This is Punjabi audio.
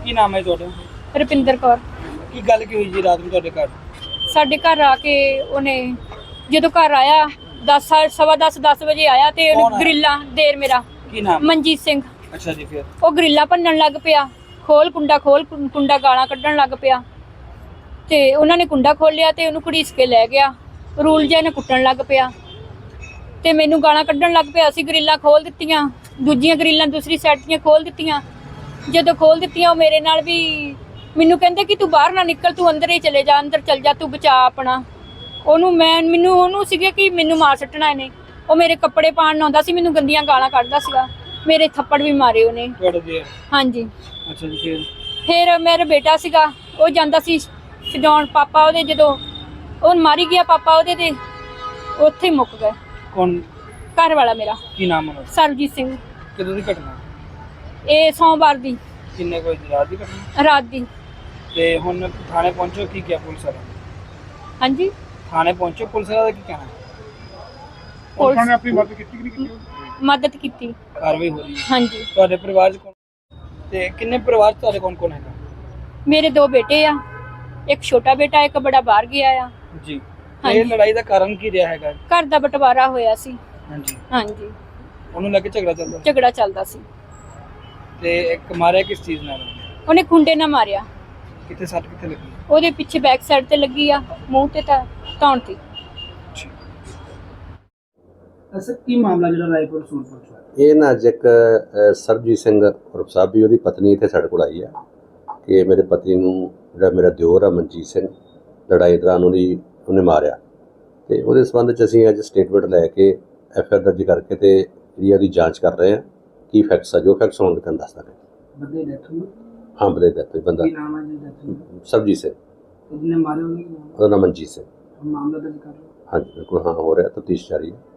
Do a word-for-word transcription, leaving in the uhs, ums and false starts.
ਕੀ ਨਾਮ ਹੈ ਤੁਹਾਡਾ? ਰੁਪਿੰਦਰ ਕੌਰ। ਕੀ ਗੱਲ ਕੀ ਹੋਈ ਜੀ ਰਾਤ ਨੂੰ ਤੁਹਾਡੇ ਘਰ? ਸਾਡੇ ਘਰ ਆ ਕੇ ਉਹਨੇ ਜਦੋਂ ਘਰ ਆਇਆ ਦਸ ਸਵਾ ਦਸ ਦਸ ਵਜੇ ਆਇਆ ਤੇ ਕੌਣ ਉਹਨੇ ਆਇਆ? ਗਰਿੱਲਾਂ ਦੇਰ ਮੇਰਾ ਕੀ ਨਾਮ? ਮਨਜੀਤ ਸਿੰਘ। ਅੱਛਾ ਜੀ, ਫਿਰ ਉਹ ਗਰਿੱਲਾਂ ਭੰਨਣ ਲੱਗ ਪਿਆ, ਖੋਲ ਕੁੰਡਾ ਖੋਲ ਕੁੰ- ਕੁੰਡਾ ਗਾਲਾਂ ਕੱਢਣ ਲੱਗ ਪਿਆ ਤੇ ਉਹਨਾਂ ਨੇ ਕੁੰਡਾ ਖੋਲਿਆ ਤੇ ਉਹਨੂੰ ਘੜੀਸ ਕੇ ਲੈ ਗਿਆ। ਰੂਲ ਜਿਹਾ ਨੇ ਕੁੱਟਣ ਲੱਗ ਪਿਆ ਤੇ ਮੈਨੂੰ ਗਾਲਾਂ ਕੱਢਣ ਲੱਗ ਪਿਆ। ਅਸੀਂ ਗਰਿੱਲਾਂ ਖੋਲ ਦਿੱਤੀਆਂ, ਦੂਜੀਆਂ ਗਰਿੱਲਾਂ ਦੂਸਰੀ ਸਾਈਡ ਦੀਆਂ ਖੋਲ ਦਿੱਤੀਆਂ। ਜਦੋਂ ਖੋਲ ਦਿੱਤੀਆਂ ਉਹ ਮੇਰੇ ਨਾਲ ਵੀ ਮੈਨੂੰ ਕਹਿੰਦੇ ਕਿ ਤੂੰ ਬਾਹਰ ਨਾ ਨਿਕਲ, ਤੂੰ ਅੰਦਰ ਹੀ ਚਲੇ ਜਾ, ਅੰਦਰ ਚਲ ਜਾ, ਤੂੰ ਬਚਾ ਆਪਣਾ। ਉਹਨੂੰ ਮੈਂ ਮੈਨੂੰ ਉਹਨੂੰ ਸੀਗੇ ਕਿ ਮੈਨੂੰ ਮਾਰ ਸੱਟਣਾ ਇਹਨੇ। ਉਹ ਮੇਰੇ ਕੱਪੜੇ ਪਾਣ ਆਉਂਦਾ ਸੀ, ਮੈਨੂੰ ਗੰਦੀਆਂ ਗਾਲਾਂ ਕੱਢਦਾ ਸੀਗਾ, ਮੇਰੇ ਥੱਪੜ ਵੀ ਮਾਰੇ ਉਹਨੇ। ਤੁਹਾਡੇ ਜੀ? ਹਾਂਜੀ। ਅੱਛਾ ਜੀ, ਫਿਰ ਫਿਰ ਮੇਰਾ ਬੇਟਾ ਸੀਗਾ, ਉਹ ਜਾਂਦਾ ਸੀ ਛਡਾਉਣ। ਪਾਪਾ ਉਹਦੇ ਜਦੋਂ ਉਹ ਮਾਰੀ ਗਿਆ ਪਾਪਾ ਉਹਦੇ ਤੇ ਉੱਥੇ ਹੀ ਮੁੱਕ ਗਏ। ਕੌਣ? ਘਰ ਵਾਲਾ ਮੇਰਾ। ਕੀ ਨਾਮ ਹੈ? ਸਰਬਜੀਤ ਸਿੰਘ। ਕਦੋਂ ਦੀ ਘਟਨਾ? ਇਹ ਸੋਮਵਾਰ ਦੀ ਕਿੰਨੇ ਕੋਈ ਰਾਤ ਦੀ ਘਟਨਾ? ਰਾਤ ਦੀ। ਤੇ ਹੁਣ ਥਾਣੇ ਪਹੁੰਚੋ, ਕੀ ਕਿਹਾ ਪੁਲਿਸ ਵਾਲਾ? ਹਾਂਜੀ, ਥਾਣੇ ਪਹੁੰਚੋ, ਪੁਲਿਸ ਵਾਲਾ ਦਾ ਕੀ ਕਹਿਣਾ? ਪੁਲਿਸ ਨੇ ਆਪਣੀ ਮਦਦ ਕੀਤੀ ਕਿ ਨਹੀਂ ਕੀਤੀ? ਮਦਦ ਕੀਤੀ। ਕਾਰਵਾਈ ਹੋ ਰਹੀ ਹੈ। ਹਾਂਜੀ। ਤੁਹਾਡੇ ਪਰਿਵਾਰ ਚ ਕੌਣ ਤੇ ਕਿੰਨੇ ਪਰਿਵਾਰ ਚ ਤੁਹਾਡੇ ਕੌਣ ਕੌਣ ਹੈਗਾ? ਮੇਰੇ ਦੋ ਬੇਟੇ ਆ, ਇੱਕ ਛੋਟਾ ਬੇਟਾ, ਇੱਕ ਬੜਾ ਬਾਹਰ ਗਿਆ ਆ। ਜੀ। ਹਾਂਜੀ। ਇਹ ਲੜਾਈ ਦਾ ਕਾਰਨ ਕੀ ਰਿਹਾ ਹੈਗਾ? ਘਰ ਦਾ ਬਟਵਾਰਾ ਹੋਇਆ ਸੀ। ਹਾਂਜੀ। ਹਾਂਜੀ, ਉਹਨੂੰ ਲੈ ਕੇ ਝਗੜਾ ਚੱਲਦਾ? ਝਗੜਾ ਚੱਲਦਾ ਸੀ। ਤੇ ਇੱਕ ਮਾਰਿਆ ਕਿਸ ਚੀਜ਼ ਨਾਲ? ਉਹਨੇ ਖੁੰਡੇ ਨਾਲ ਮਾਰਿਆ। ਕਿੱਥੇ ਸੱਟ ਕਿੱਥੇ ਲੱਗੀ? ਉਹਦੇ ਪਿੱਛੇ ਬੈਕ ਸਾਈਡ ਤੇ ਲੱਗੀ ਆ, ਮੂੰਹ ਤੇ ਤਾਂ ਧੌਣ ਤੇ। ਅਸਲ ਕੀ ਮਾਮਲਾ ਜਿਹੜਾ ਰਾਏਪੁਰ ਸੂਰਪੁਰ ਚ ਹੋਇਆ? ਇਹ ਨਾ ਅੱਜ ਇੱਕ ਅ, ਸਰਬਜੀਤ ਸਿੰਘ ਉਰਫ ਸਾਬੀ, ਉਹਦੀ ਪਤਨੀ ਇੱਥੇ ਸਾਡੇ ਕੋਲ ਆਈ ਆ ਕਿ ਮੇਰੇ ਪਤੀ ਨੂੰ ਜਿਹੜਾ ਮੇਰਾ ਦਿਓਰ ਆ ਮਨਜੀਤ ਸਿੰਘ, ਲੜਾਈ ਦੌਰਾਨ ਉਹਦੀ ਉਹਨੇ ਮਾਰਿਆ। ਤੇ ਉਹਦੇ ਸੰਬੰਧ 'ਚ ਅਸੀਂ ਅੱਜ ਸਟੇਟਮੈਂਟ ਲੈ ਕੇ ਐਫ ਆਈ ਆਰ ਦਰਜ ਕਰਕੇ ਤੇ ਜਿਹੜੀ ਉਹਦੀ ਜਾਂਚ ਕਰ ਰਹੇ ਹਾਂ। ਕੀ ਫੈਕਟਸ ਆ, ਜੋ ਫੈਕਟਸ ਹੋਣਗੇ ਤੁਹਾਨੂੰ ਦੱਸ ਦਾਂਗੇ। ਬੰਦੇ ਡੈਥ ਹੋਈ? ਹਾਂ, ਬੰਦੇ ਦਾ ਕੋਈ ਬੰਦਾ ਕੀ ਨਾਮ ਹੈ ਜੀ ਡੈਥ ਹੋਈ? ਸਰਬਜੀਤ ਸਿੰਘ, ਜਿਹਨੇ ਮਾਰੇ ਉਹਨੇ ਕੀ ਨਾਮ? ਉਹਦਾ ਨਾਮ ਮਨਜੀਤ ਸਿੰਘ। ਮਾਮਲਾ ਦਰਜ ਕਰ ਲਓ। ਹਾਂਜੀ ਬਿਲਕੁਲ, ਹਾਂ ਹੋ ਰਿਹਾ, ਤਫਤੀਸ਼ ਜਾਰੀ ਹੈ।